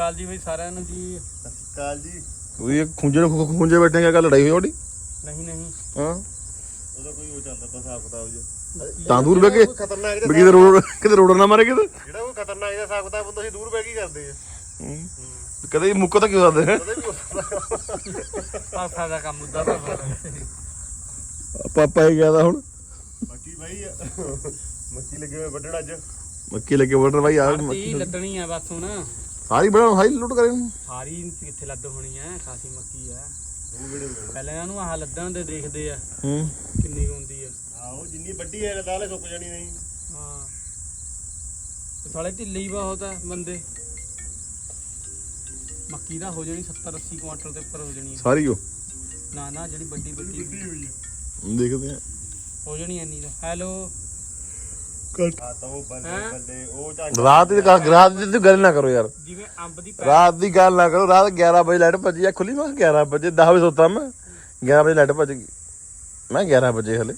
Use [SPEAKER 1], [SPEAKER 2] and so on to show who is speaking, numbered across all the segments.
[SPEAKER 1] ਅਕਾਲ ਜੀ ਬਈ ਸਾਰਿਆਂ ਨੂੰ ਜੀ।
[SPEAKER 2] ਸਤਿ ਸ਼੍ਰੀ ਅਕਾਲ ਜੀ।
[SPEAKER 3] ਤੁਸੀਂ ਖੁੰਝੇ ਬੈਠੇ ਕਿਆ ਗੱਲ ਲੜਾਈ ਹੋਈ ਤੁਹਾਡੀ?
[SPEAKER 1] ਨਹੀਂ
[SPEAKER 3] ਹਾਂ
[SPEAKER 2] ਉਹਦਾ ਕੋਈ ਉਹ ਚੱਲਦਾ ਤਾਂ ਹਿਸਾਬ ਕਿਤਾਬ ਜਿਹਾ।
[SPEAKER 3] ਤਾਂ ਦੂਰ ਬਹਿ ਕੇ
[SPEAKER 2] ਖਤਰਨਾਕ
[SPEAKER 3] ਵੀ ਕਿਤੇ ਰੋਡ ਨਾ ਮਾਰੇ ਕਿਤੇ।
[SPEAKER 2] ਜਿਹੜਾ ਕੋਈ ਖਤਰਨਾਕ ਜਿਹਾ ਹਿਸਾਬ ਕਿਤਾਬ ਹੁੰਦਾ ਅਸੀਂ ਦੂਰ ਬਹਿ ਕੇ ਕਰਦੇ ਆ।
[SPEAKER 3] ਕਦੇ ਮੁੱਕੋ ਤਾਂ ਕਿਉਂ ਸਕਦੇ
[SPEAKER 2] ਕਦੇ ਵੀ ਹੋ ਸਕਦਾ।
[SPEAKER 1] ਪਾਸਾ ਦਾ ਕੰਮ ਹੁੰਦਾ ਤਾਂ
[SPEAKER 3] ਪਾਪਾ ਹੀ ਗਿਆ ਤਾਂ ਹੁਣ
[SPEAKER 2] ਬਾਕੀ ਬਾਈ ਮੱਕੀ ਲੱਗੇ ਹੋਏ ਵੱਢਣ ਅੱਜ।
[SPEAKER 3] ਮੱਕੀ ਲੱਗੇ ਵੋਟਰ ਬਾਈ ਆ
[SPEAKER 1] ਮੱਕੀ ਲੱਦਣੀ ਆ ਬਸ ਹੁਣ।
[SPEAKER 3] ਸਾਰੀ ਬਣਾ ਸਾਰੀ ਲੁੱਟ ਕਰੇ
[SPEAKER 1] ਸਾਰੀ ਕਿੱਥੇ ਲੱਦ ਹੋਣੀ ਆ, ਖਾਸੀ ਮੱਕੀ ਆ। ਪਹਿਲਾਂ ਇਹਨਾਂ ਨੂੰ ਆਹ ਲੱਦਣ ਦੇ ਦੇਖਦੇ ਆ ਕਿੰਨੀ ਹੁੰਦੀ ਆ।
[SPEAKER 2] ਆਹੋ ਜਿੰਨੀ ਵੱਡੀ ਹੈ ਦਾਲੇ ਸੁੱਕ ਜਾਣੀ ਨਹੀਂ।
[SPEAKER 1] ਹਾਂ ਸਾਲੇ ਢਿੱਲੇ ਹੀ ਬਹੁਤ ਆ ਬੰਦੇ। ਮੱਕੀ ਦਾ ਹੋ ਜਾਣੀ 70-80 ਕੁਆਂਟਲ ਦੇ ਉੱਪਰ ਹੋ ਜਾਣੀ
[SPEAKER 3] ਸਾਰੀ ਉਹ
[SPEAKER 1] ਨਾ ਨਾ ਜਿਹੜੀ ਵੱਡੀ ਵੱਡੀ
[SPEAKER 2] ਹੋਈ
[SPEAKER 3] ਦੇਖਦੇ ਆ
[SPEAKER 1] ਹੋ ਜਾਣੀ ਇੰਨੀ ਦਾ। ਹੈਲੋ
[SPEAKER 2] ਆ ਤਾਂ ਉਹ ਬੱਲੇ ਉਹ ਝਾਂਜਾ
[SPEAKER 3] ਰਾਤ ਦੀ ਗੱਲ ਨਾ ਕਰੋ ਯਾਰ।
[SPEAKER 1] ਜਿਵੇਂ ਅੰਬ ਦੀ
[SPEAKER 3] ਰਾਤ ਦੀ ਗੱਲ ਨਾ ਕਰੋ। ਰਾਤ 11 ਵਜੇ ਲਾਈਟ ਭੱਜੀ ਆ ਖੁੱਲੀ। ਮੈਂ 11 ਵਜੇ 10 ਵਜੇ ਸੋਤਾ ਮੈਂ 11 ਵਜੇ ਲਾਈਟ ਭੱਜ ਗਈ। ਮੈਂ 11 ਵਜੇ ਹਲੇ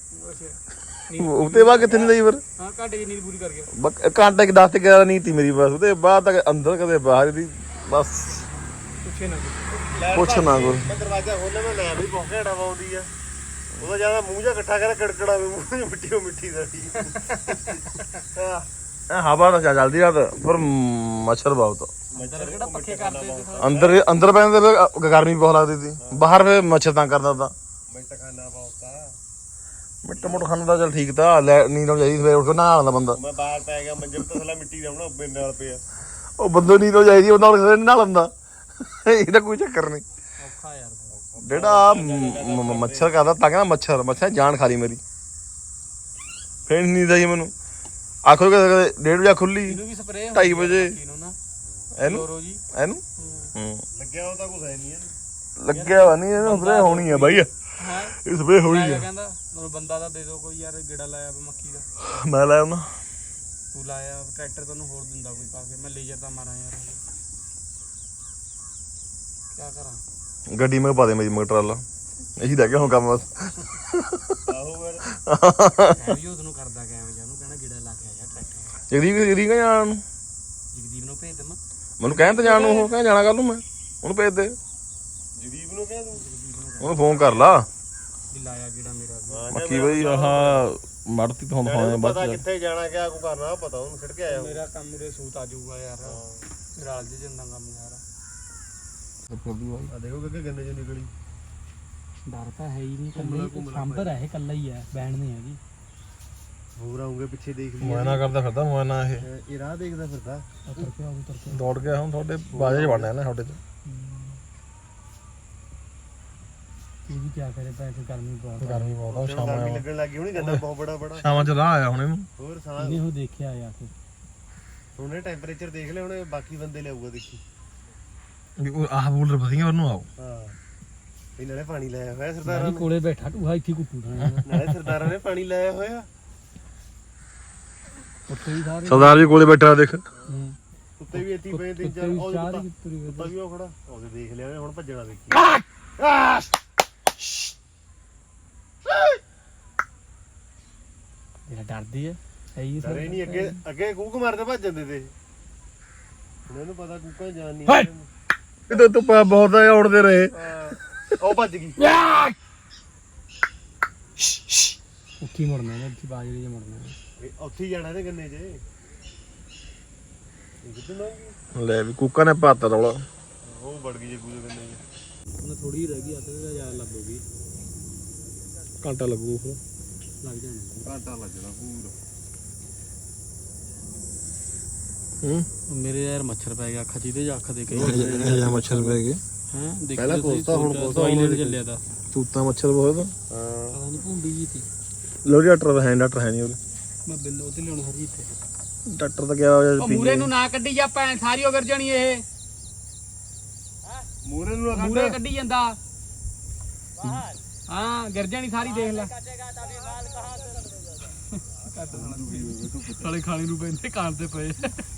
[SPEAKER 3] ਉਹਦੇ ਬਾਅਦ ਕਿੱਥੇ ਨਹੀਂ ਲਈ ਫਿਰ।
[SPEAKER 1] ਹਾਂ ਘਾਟੇ ਦੀ ਨੀਂਦ ਪੂਰੀ ਕਰ ਗਿਆ।
[SPEAKER 3] ਘੰਟਾ ਕਿ 10 ਤੇ 11 ਨਹੀਂ ਤੀ ਮੇਰੀ ਬਸ। ਉਹਦੇ ਬਾਅਦ ਤੱਕ ਅੰਦਰ ਕਦੇ ਬਾਹਰ ਦੀ ਬਸ
[SPEAKER 1] ਪੁੱਛੇ ਨਾ
[SPEAKER 3] ਪੁੱਛ ਨਾ ਕੋਈ।
[SPEAKER 2] ਮੈਂ ਦਰਵਾਜ਼ਾ ਖੋਲ੍ਹਿਆ ਮੈਂ ਲੈ ਵੀ ਬਹੁਤ ਘੜਾ ਆਉਂਦੀ ਆ। ਉਹਦਾ ਜਿਆਦਾ ਮੂੰਹ ਜਿਹਾ ਇਕੱਠਾ ਕਰ ਕੜਕੜਾ ਮੂੰਹ ਚ ਮਿੱਟੀ ਸਾਡੀ।
[SPEAKER 3] ਹਵਾ ਤਾਂ ਚੱਲਦੀ ਰਾਤ ਪਰ ਮੱਛਰ ਬਹੁਤ
[SPEAKER 1] ਕਿਹੜਾ ਪੱਖੇ ਕਰਦੇ
[SPEAKER 3] ਅੰਦਰ ਪੈਂਦੇ ਗਰਮੀ ਬਹੁਤ ਲੱਗਦੀ ਸੀ। ਬਾਹਰ ਫੇ ਮੱਛਰ ਤਾਂ ਕਰਦਾ ਤਾਂ
[SPEAKER 2] ਮਿੰਟ ਖਾਣਾ ਬਹੁਤਾ
[SPEAKER 3] ਮਿੱਟ ਮੁੱਟ ਖਾਣਾ ਤਾਂ ਚੱਲ ਠੀਕ ਤਾਂ ਨੀਂਦ ਆਉਣੀ ਚਾਹੀਦੀ। ਸਵੇਰੇ ਉੱਠ ਕੇ ਨਹਾ ਲੈਂਦਾ ਬੰਦਾ।
[SPEAKER 2] ਮੈਂ ਬਾਹਰ ਪੈ ਗਿਆ ਮੰਜੇ ਤੇ ਥੱਲੇ ਮਿੱਟੀ ਦਾ ਹੁਣ ਮੇਰੇ ਨਾਲ ਪਿਆ।
[SPEAKER 3] ਉਹ ਬੰਦੇ ਨੀਂਦ ਹੋ ਚਾਹੀਦੀ ਉਹ ਨਾਲ ਨਹਾ ਲੈਂਦਾ। ਇਹਦਾ ਕੋਈ ਚੱਕਰ ਨਹੀਂ।
[SPEAKER 1] ਔਖਾ ਯਾਰ
[SPEAKER 3] ਜਿਹੜਾ ਮੱਛਰ ਕਰਦਾ ਤਾਂ ਕਹਿੰਦਾ ਮੱਛਰ ਜਾਨ ਖਾ ਲਈ ਮੇਰੀ। ਫੇਰ ਨੀਂਦ ਆਈ ਮੈਨੂੰ। ਆਖੋ ਕਦੇ 1:30 ਵਜੇ ਖੁੱਲੀ
[SPEAKER 1] ਇਹਨੂੰ ਵੀ ਸਪਰੇਅ
[SPEAKER 3] 2:30 ਵਜੇ
[SPEAKER 1] ਇਹਨੂੰ
[SPEAKER 3] ਇਹਨੂੰ
[SPEAKER 2] ਲੱਗਿਆ ਉਹ ਤਾਂ ਕੁਝ ਹੈ ਨਹੀਂ ਇਹਨੂੰ।
[SPEAKER 3] ਲੱਗਿਆ ਵਾ ਨਹੀਂ ਇਹਨੂੰ ਸਪਰੇਅ ਹੋਣੀ ਆ ਬਾਈ।
[SPEAKER 1] ਹਾਂ
[SPEAKER 3] ਇਹ ਸਪਰੇਅ ਹੋਣੀ ਆ।
[SPEAKER 1] ਕਹਿੰਦਾ ਮੈਨੂੰ ਬੰਦਾ ਤਾਂ ਦੇ ਦਿਓ ਕੋਈ ਯਾਰ ਗੇੜਾ ਲਾਇਆ ਮੱਕੀ ਦਾ।
[SPEAKER 3] ਮੈਂ ਲਾਇਆ ਉਹਨਾਂ
[SPEAKER 1] ਤੂੰ ਲਾਇਆ ਟਰੈਕਟਰ ਤੈਨੂੰ ਹੋਰ ਦਿੰਦਾ ਕੋਈ ਪਾ ਕੇ। ਮੈਂ ਲੇਜਰ ਤਾਂ ਮਾਰਾਂ ਯਾਰ ਕੀ ਕਰਾਂ।
[SPEAKER 3] ਗੱਡੀ ਮੈਂ ਪਾ ਦੇ ਮੇਰੀ ਮੋਟਰ ਵਾਲਾ। ਇਹੀ ਰਹਿ ਗਿਆ ਹੁਣ ਕੰਮ ਬਸ।
[SPEAKER 2] ਆਹੋ ਫਿਰ
[SPEAKER 1] ਵੀ ਉਹਨੂੰ ਕਰਦਾ ਕਿਵੇਂ ਜਾਨੂੰ ਕਹਿਣਾ ਗੇੜਾ ਲਾ ਕੇ ਆਇਆ ਟਰੈਕਟਰ।
[SPEAKER 3] ਜਗਦੀਪ ਜਾਣ ਨੂੰ
[SPEAKER 1] ਜਗਦੀਪ ਨੂੰ ਭੇਜ ਦੇਵਾਂ।
[SPEAKER 3] ਮੈਨੂੰ ਕਹਿੰਦਾ ਜਾਣ ਨੂੰ। ਉਹ ਕਹਿੰਦਾ ਜਾਣਾ ਕੱਲ ਨੂੰ ਮੈਂ ਉਹਨੂੰ ਭੇਜ ਦੇ।
[SPEAKER 2] ਜਦੀਪ ਨੂੰ ਕਹਿ ਦੂੰ
[SPEAKER 3] ਉਹਨੂੰ ਫੋਨ ਕਰ ਲਾ
[SPEAKER 1] ਵੀ ਲਾਇਆ ਗੇੜਾ ਮੇਰਾ।
[SPEAKER 3] ਮੱਕੀ ਬਈ ਆਹ ਮੜਤੀ ਤੋਂ ਹੁਣ
[SPEAKER 2] ਪਤਾ ਕਿੱਥੇ ਜਾਣਾ ਕਿਆ ਕੋ ਕਰਨਾ ਪਤਾ ਉਹਨੂੰ ਛਿੜ ਕੇ ਆਇਆ।
[SPEAKER 1] ਮੇਰਾ ਕੰਮ ਉਰੇ ਸੂਤ ਆ ਜਾਊਗਾ ਯਾਰ। ਰਲ ਜੇ ਜਾਂਦਾ ਕੰਮ ਯਾਰ।
[SPEAKER 2] ਆ ਦੇਖੋ ਕਿ ਗੰਨੇ ਚ ਨਿਕਲੀ।
[SPEAKER 1] ਡਰ ਤਾਂ ਹੈ ਹੀ ਨਹੀਂ। ਕੱਲੇ ਸਾਂਭਰ ਹੈ ਇਹ ਕੱਲਾ ਹੀ ਹੈ ਬੈਣ ਨਹੀਂ ਹੈਗੀ।
[SPEAKER 2] ਹੋਰ ਆਉਂਗੇ ਪਿੱਛੇ ਦੇਖ ਲਈ।
[SPEAKER 3] ਮੋਇਨਾ ਕਰਦਾ ਫਿਰਦਾ ਮੋਇਨਾ
[SPEAKER 2] ਇਹ ਰਾਹ ਦੇਖਦਾ ਫਿਰਦਾ।
[SPEAKER 3] ਦੌੜ ਗਿਆ ਹੁਣ ਤੁਹਾਡੇ ਬਾਜੇ 'ਚ ਵੜਨਾ ਨਾ ਤੁਹਾਡੇ 'ਚ।
[SPEAKER 1] ਇਹ ਵੀ ਕੀ ਕਰੇ ਪੈਸੇ ਗਰਮੀ ਬਹੁਤ
[SPEAKER 3] ਆ
[SPEAKER 2] ਗਰਮੀ ਲੱਗਣ ਲੱਗੀ ਹੁਣੀ ਗੰਨਾ ਬਹੁਤ ਬੜਾ
[SPEAKER 3] ਸ਼ਾਮਾਂ 'ਚ ਰਾਹ ਆਇਆ ਹੁਣ ਇਹਨੂੰ।
[SPEAKER 2] ਹੋਰ ਸਾਹ
[SPEAKER 1] ਇਹਨੇ ਉਹ ਦੇਖਿਆ ਆ ਕੇ
[SPEAKER 2] ਉਹਨੇ ਟੈਂਪਰੇਚਰ ਦੇਖ ਲਿਆ ਉਹਨੇ। ਬਾਕੀ ਬੰਦੇ ਲਿਆਊਗਾ ਦੇਖੀ।
[SPEAKER 3] ਵੀ ਉਹ ਆਹ ਬੂਲਰ ਵਧੀਆ ਉਹਨੂੰ ਆਓ।
[SPEAKER 2] ਹਾਂ ਇਹ ਨਾਲੇ ਪਾਣੀ ਲਾਇਆ ਹੋਇਆ ਸਰਦਾਰਾਂ ਨੇ।
[SPEAKER 1] ਕੋਲੇ ਬੈਠਾ ਟੂਹਾ ਇੱਥੇ ਕੁੱਟੂ
[SPEAKER 2] ਨਾਲੇ ਸਰਦਾਰਾਂ ਨੇ ਪਾਣੀ ਲਾਇਆ ਹੋਇਆ।
[SPEAKER 1] ਉੱਤੇ ਵੀ ਸਾਰੇ
[SPEAKER 3] ਸਰਦਾਰ ਜੀ ਕੋਲੇ ਬੈਠਾ ਦੇਖ।
[SPEAKER 2] ਉੱਤੇ ਵੀ ਇੱਥੇ ਪਏ 3-4 ਕੁੱਤਾ ਵੀ ਉਹ ਖੜਾ। ਉਹਦੇ ਦੇਖ ਲਿਆ ਉਹਨੇ ਹੁਣ ਭੱਜਣਾ ਦੇਖੀ।
[SPEAKER 1] ਇਹ ਡਰਦੀ ਹੈ ਹੀ
[SPEAKER 2] ਡਰੇ ਨਹੀਂ। ਅੱਗੇ ਕੂਕ ਮਾਰਦੇ ਭੱਜ ਜਾਂਦੇ ਤੇ। ਹੁਣ ਇਹਨੂੰ ਪਤਾ ਕੂਕਾਂ ਜਾਣ ਨਹੀਂ।
[SPEAKER 3] ਇਹ ਧੁੱਪ ਬਹੁਤ ਆ ਉੜਦੇ ਰਹੇ।
[SPEAKER 2] ਉਹ ਭੱਜ ਗਈ।
[SPEAKER 1] ਉੱਠੀ ਮੁੜਨਾ ਨੇ ਇੱਥੇ ਬਾਜਰੇ 'ਚ ਮੁੜਨਾ।
[SPEAKER 2] ਉੱਥੇ ਹੀ ਜਾਣਾ ਤੇ ਗੰਨੇ 'ਚ। ਇਹ ਕਿੱਥੇ ਲੰਘ
[SPEAKER 3] ਲੈ ਵੀ ਕੁੱਕਾ ਨੇ ਪਾਤਾ ਰੌਲਾ।
[SPEAKER 2] ਉਹ ਵੜ ਗਈ ਜੇ ਕੂਦੇ ਗੰਨੇ 'ਚ।
[SPEAKER 1] ਉਹਨੇ ਥੋੜੀ ਰਹਿ ਗਈ ਅੱਧੇ ਦਾ ਯਾਰ ਲੱਗੂਗੀ।
[SPEAKER 3] ਘੰਟਾ ਲੱਗੂ ਫਿਰ
[SPEAKER 1] ਲੱਗ ਜਾਣਾ
[SPEAKER 2] ਘਾਟਾ ਲੱਗਣਾ ਪੂਰਾ।
[SPEAKER 1] ਮੇਰੇ ਯਾਰ ਮੱਛਰ ਪੈ ਗਿਆ ਅੱਖਾਂ 'ਚ। ਇਹਦੇ ਅੱਖ ਦੇ ਕਈ
[SPEAKER 3] ਮੱਛਰ ਪੈ ਗਏ।
[SPEAKER 1] ਹਾਂ ਦੇਖ
[SPEAKER 2] ਪਹਿਲਾਂ ਕੋਸਤਾ ਹੁਣ ਕੋਸਤਾ
[SPEAKER 1] ਦਵਾਈ ਲੈਣ ਚੱਲਿਆ ਤਾਂ।
[SPEAKER 3] ਤੂਤਾ ਮੱਛਰ ਬਹੁਤ।
[SPEAKER 2] ਹਾਂ
[SPEAKER 1] ਪਤਾ ਨਹੀਂ ਭੁੰਡੀ ਜੀ ਤੀ।
[SPEAKER 3] ਲੋ ਡਾਕਟਰ ਹੈ ਨਹੀਂ ਉਹਦੇ।
[SPEAKER 1] ਮੈਂ ਬਿੱਲ ਉਹਤੇ ਲਿਆਉਣ ਹਰੀ ਇੱਥੇ।
[SPEAKER 3] ਡਾਕਟਰ ਤਾਂ ਗਿਆ
[SPEAKER 1] ਉਹ ਮੂਰੇ ਨੂੰ ਨਾ ਕੱਢੀ ਜਾ ਭੈਣ ਸਾਰੀ ਉਹ ਗਿਰ ਜਾਣੀ ਇਹ।
[SPEAKER 2] ਮੂਰੇ ਨੂੰ
[SPEAKER 1] ਮੂਰੇ ਕੱਢੀ ਜਾਂਦਾ। ਹਾਂ ਗਿਰ ਜਾਣੀ ਸਾਰੀ ਦੇਖ ਲੈ। ਸਾਲੇ ਖਾਣੇ ਨੂੰ ਪੈਂਦੇ ਕਾਂ ਤੇ ਪਏ।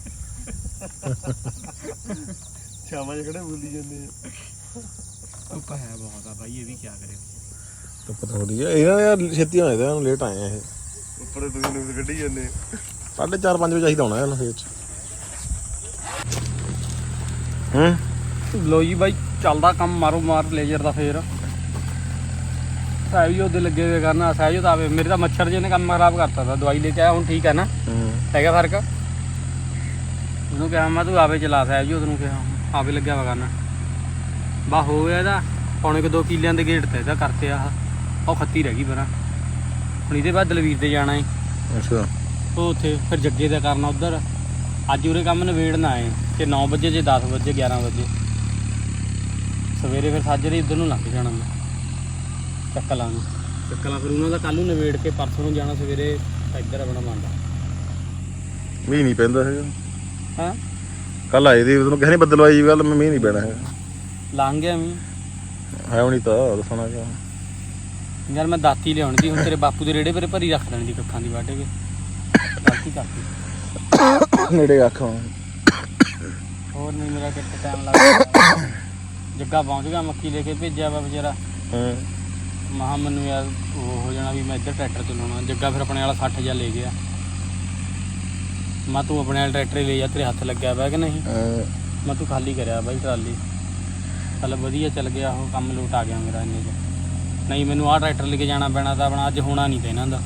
[SPEAKER 2] ਸ਼ਾਮਾਂ 'ਚ ਖੜੇ ਬੋਲੀ ਜਾਂਦੇ ਆ।
[SPEAKER 1] ਧੁੱਪ ਹੈ ਬਹੁਤ ਆ ਬਾਈ। ਇਹ ਵੀ ਕੀ ਕਰੇ।
[SPEAKER 3] ਤਾਂ ਪਤਾ ਥੋੜੀ ਹੈ ਇਹਨਾਂ ਯਾਰ ਛੇਤੀ ਹੋਇਆ ਤਾਂ ਲੇਟ ਆਏ ਆ ਇਹ।
[SPEAKER 2] ਉੱਪਰ ਤੁਸੀਂ ਨੂੰ ਕੱਢੀ ਜਾਂਦੇ।
[SPEAKER 3] 4:30 5 ਵਜੇ ਚਾਹੀਦਾ ਹੋਣਾ ਇਹਨੂੰ ਖੇਤ 'ਚ। ਹੂੰ
[SPEAKER 1] ਲੋ ਜੀ ਬਾਈ ਚੱਲਦਾ ਕੰਮ ਮਾਰੋ ਮਾਰ ਲੇਜ਼ਰ ਦਾ ਫੇਰ ਸਾਹਿਬ ਜੀ ਉਹਦੇ ਲੱਗੇ ਹੋਏ ਕਰਨਾ ਸਾਹਿਬ ਤਾਂ ਆਵੇ ਮੇਰੇ ਤਾਂ ਮੱਛਰ ਜਿਹੇ ਨੇ ਕੰਮ ਖਰਾਬ ਕਰਤਾ ਤਾ ਦਵਾਈ ਲੈ ਕੇ ਆਇਆ ਹੁਣ ਠੀਕ ਹੈ ਨਾ ਹੈਗਾ ਫਰਕ ਉਹਨੂੰ ਕਿਹਾ ਮੈਂ ਤੂੰ ਆਵੇ ਚਲਾ ਸਾਹਿਬ ਜੀ ਉਹਨੂੰ ਕਿਹਾ ਆਵੇ ਲੱਗਿਆ ਵਾ ਕਰਨਾ ਬਾ ਹੋ ਗਿਆ ਇਹਦਾ ਪੌਣੇ 2 ਕਿੱਲਿਆਂ ਦੇ ਗੇਟ ਤੇ ਇਹਦਾ ਕਰਤੇ ਆਹ ਉਹ ਖੱਤੀ ਰਹਿ ਗਈ ਪਰਾਂ ਹੁਣ ਇਹਦੇ ਬਾਅਦ ਦਲਵੀਰ ਦੇ ਜਾਣਾ ਏ
[SPEAKER 3] ਅੱਛਾ
[SPEAKER 1] ਉਹ ਉੱਥੇ ਫਿਰ ਜੱਗੇ ਦਾ ਕਰਨਾ ਉੱਧਰ ਅੱਜ ਉਰੇ ਕੰਮ ਨਿਬੇੜਨਾ ਏ ਤੇ 9 ਵਜੇ ਜੇ 10 ਵਜੇ 11 ਵਜੇ ਸਵੇਰੇ ਫਿਰ ਸਾਜਰੇ ਇੱਧਰ ਨੂੰ ਲੰਘ ਜਾਣਾ ਮੈਂ ਚੱਕਲਾਂ ਫਿਰ ਉਹਨਾਂ ਦਾ ਕੱਲ੍ਹ ਨੂੰ ਨਿਬੇੜ ਕੇ ਪਰਸੋਂ ਨੂੰ ਜਾਣਾ ਸਵੇਰੇ ਇੱਧਰ ਆਪਣਾ ਮੰਨਦਾ
[SPEAKER 3] ਮੀਂਹ ਨਹੀਂ ਪੈਂਦਾ ਹੈਗਾ
[SPEAKER 1] ਹਾਂ
[SPEAKER 3] ਕੱਲ ਆਏ ਦੀ ਤੈਨੂੰ ਕਿਸੇ ਨੇ ਬੱਦਲਵਾਈ ਜੀ ਗੱਲ ਮੀਂਹ ਨਹੀਂ ਪੈਣਾ ਹੈਗਾ
[SPEAKER 1] ਲੰਘ ਗਿਆ ਮੀਂਹ
[SPEAKER 3] ਹੈ ਨਹੀਂ ਤਾਂ ਦੱਸਣਾ ਕਿਆ
[SPEAKER 1] ਯਾਰ ਮੈਂ ਦਾਤੀ ਲਿਆਉਣੀ ਦੀ ਹੁਣ ਤੇਰੇ ਬਾਪੂ ਦੇ ਰੇੜੇ ਪਰੇ ਭਰੀ ਰੱਖ ਦੇਣੀ ਦੀ ਕੱਖਾਂ ਦੀ ਵੱਢ ਕੇ ਗਲਤੀ ਕਰਤੀ
[SPEAKER 3] ਨੇੜੇ ਆਖਾਂ
[SPEAKER 1] ਹੋਰ ਨਹੀਂ ਮੇਰਾ ਕਿੱਥੇ ਟਾਈਮ ਲੱਗਦਾ ਜੱਗਾ ਪਹੁੰਚ ਗਿਆ ਮੱਕੀ ਲੈ ਕੇ ਭੇਜਿਆ ਵਾ ਵਿਚਾਰਾ ਮਹਾ ਮੈਨੂੰ ਯਾਰ ਉਹ ਹੋ ਜਾਣਾ ਵੀ ਮੈਂ ਇੱਧਰ ਟਰੈਕਟਰ ਚਲਾਉਣਾ ਜੱਗਾ ਫਿਰ ਆਪਣੇ ਵਾਲਾ 60,000 ਲੈ ਗਿਆ ਮੈਂ ਤੂੰ ਆਪਣੇ ਵਾਲਾ ਟਰੈਕਟਰ ਹੀ ਲੈ ਜਾ ਤੇਰੇ ਹੱਥ ਲੱਗਿਆ ਵਾ ਕਿ ਨਹੀਂ ਮੈਂ ਤੂੰ ਖਾਲੀ ਕਰਿਆ ਬਾਈ ਟਰਾਲੀ ਚੱਲ ਵਧੀਆ ਚੱਲ ਗਿਆ ਉਹ ਕੰਮ ਲੋਟ ਆ ਗਿਆ ਮੇਰਾ ਇੰਨੇ 'ਚ ਨਹੀਂ ਮੈਨੂੰ ਆਹ ਟਰੈਕਟਰ ਲੈ ਕੇ ਜਾਣਾ ਪੈਣਾ ਤਾਂ ਆਪਣਾ ਅੱਜ ਹੋਣਾ ਨਹੀਂ ਤੇ ਇਹਨਾਂ ਦਾ